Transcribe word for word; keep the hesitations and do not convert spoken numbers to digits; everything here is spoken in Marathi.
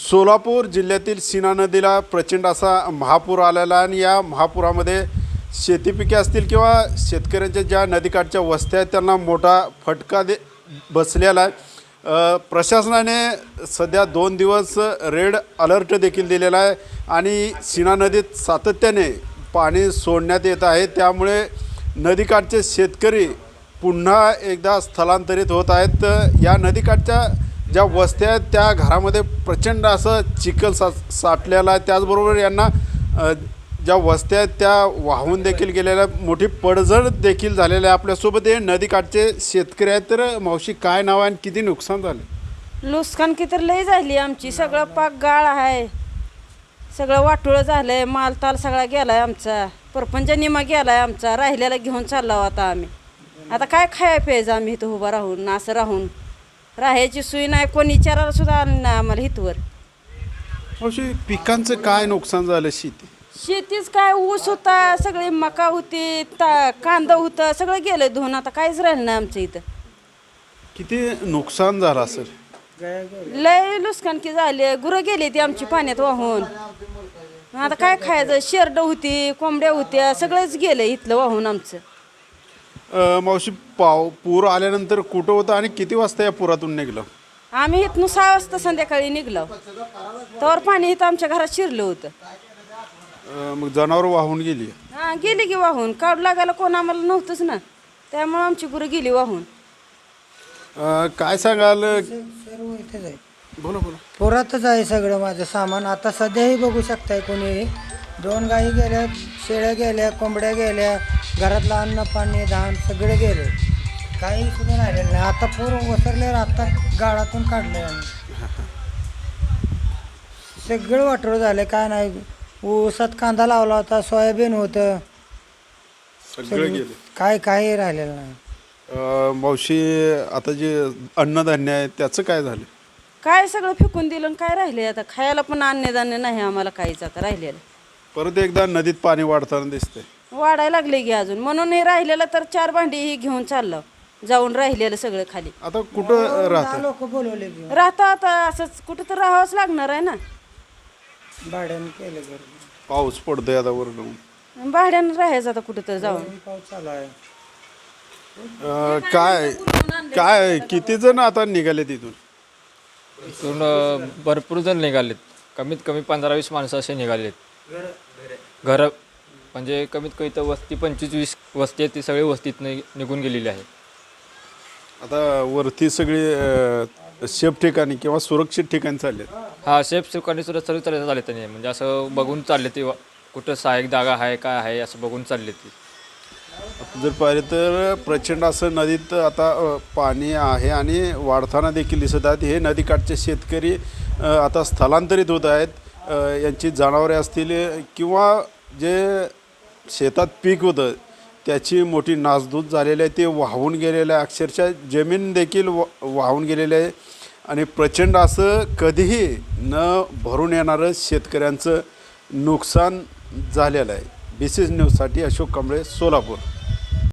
सोलापूर जिल्ह्यातील सीना नदीला प्रचंड असा महापूर आलेला आहे आणि या महापुरामध्ये शेती पिके असतील किंवा शेतकऱ्यांच्या ज्या नदीकाठच्या वस्त्या आहेत त्यांना मोठा फटका दे बसलेला आहे। प्रशासनाने सध्या दोन दिवस रेड अलर्ट देखील दिलेला आहे आणि सीना नदीत सातत्याने पाणी सोडण्यात येत आहे, त्यामुळे नदीकाठचे शेतकरी पुन्हा एकदा स्थलांतरित होत आहेत। या नदीकाठच्या ज्या वस्त्या आहेत त्या घरामध्ये प्रचंड असं चिखल सा साठलेला आहे, त्याचबरोबर यांना ज्या वस्त्या आहेत त्या वाहून देखील गेलेल्या, मोठी पडझड देखील झालेली आहे। आपल्यासोबत हे नदीकाठचे शेतकरी आहेत। तर मावशी, काय नाव आहे आणि किती नुकसान झाले? नुकसान किती लई झाली आमची, सगळं पाक गाळ आहे, सगळं वाटोळं झालंय, मालताल सगळा गेलाय आमचा, परपंच निमा गेलाय आमचा, राहिलेला घेऊन चाललो आता आम्ही। आता काय खाय प्यायचं आम्ही इथं उभं राहून, असं राहून राहायची सोय नाही, कोणी विचारायला सुद्धा आलं नाही आम्हाला इथवर। मावशी, पिकांचं काय नुकसान झालं? शेती शेतीच काय, ऊस होता, सगळी मका होती, ता कांदा होता, सगळं गेलं धुवून, आता काहीच राहिलं नाही आमचं इथं। किती नुकसान झालं असेल? लय नुकसान की झाले, गुरं गेली ती आमची पाण्यात वाहून, आता काय खायचं? शेरडं होती, कोंबड्या होत्या, सगळंच गेलं इथलं वाहून आमचं। मावशी, पाव पूर आल्यानंतर कुठं होतं आणि किती वाजता या पुरातून निघलं? आम्ही इथनं सहा वाजता संध्याकाळी निघलो, तर पाणी इथं आमच्या घरात शिरलं होतं। मग जनावर वाहून गेली? हां, गेली की वाहून, काढू लागायला कोण आम्हाला नव्हतंच ना, त्यामुळे आमची गुरं गेली वाहून। काय सांगाल? सर्व इथेच आहे, बोला बोला। पुरातच आहे सगळं माझं सामान। आता सध्याही बघू शकताय, कोणी दोन गायी गेल्या, शेळ्या गेल्या, कोंबड्या गेल्या, घरातलं अन्न पाणी धान सगळं गेलं, काही सुद्धा राहिलेलं नाही। आता पूर वसरल्यावर आता गाळातून काढलं आम्ही, सगळं वाटोळं झालं, काय नाही। ऊसात कांदा लावला होता, सोयाबीन होतं, सगळं गेलं, काय काही राहिलेलं नाही। मावशी, आता जे अन्नधान्य आहे त्याचं काय झालं? काय सगळं फेकून दिलं, काय राहिले आता खायला पण अन्नधान्य नाही आम्हाला काहीच आता राहिलेलं। परत एकदा नदीत पाणी वाढताना दिसतंय, वाढायला लागले की अजून, म्हणून हे राहिलेलं तर चार भांडी ही घेऊन चाललं, जाऊन राहिलेलं सगळं खाली। आता कुठं राहतं? लोक बोलवले घेऊन राहता आता असंच कुठं तर राहावंच लागणार आहे ना, भाड्यानं केलं घर, पाऊस पडतोय आता वरून, भाड्यानं राहायचं आता कुठं तर जाऊन। पाऊस चालू आहे। अं, काय काय किती जण आता निघाले तिथून? इथून अ, भरपूर जण निघालेत, कमीत कमी पंधरा वीस माणसं असे निघालेत। घरं म्हणजे कमीत कमी तर वस्ती पंचवीस वीस वस्ती आहे, ती सगळी वस्तीत निघून गेलेली आहे। आता वरती सगळी सेफ ठिकाणी किंवा सुरक्षित ठिकाणी चालले? हा, सेफ सुखाने सुद्धा सर्व चालत चालले त्यांनी, म्हणजे असं बघून चालले ते, कुठं सहाय्यक जागा आहे काय आहे असं बघून चालले ते। जर पाहिलं तर प्रचंड असं नदीत आता पाणी आहे आणि वाढताना देखील दिसत आहेत। हे नदीकाठचे शेतकरी आता स्थलांतरित होत आहेत। यांची जनावरे असतील किंवा जे शेतात पीक होतं त्याची मोठी नासधूस झालेली आहे, ते वाहून गेलेलं आहे, अक्षरशः जमीन देखील वाहून गेलेले आहे आणि प्रचंड असं कधीही न भरून येणारं शेतकऱ्यांचं नुकसान झालेलं आहे। बी सी न्यूजसाठी अशोक कांबळे, सोलापूर।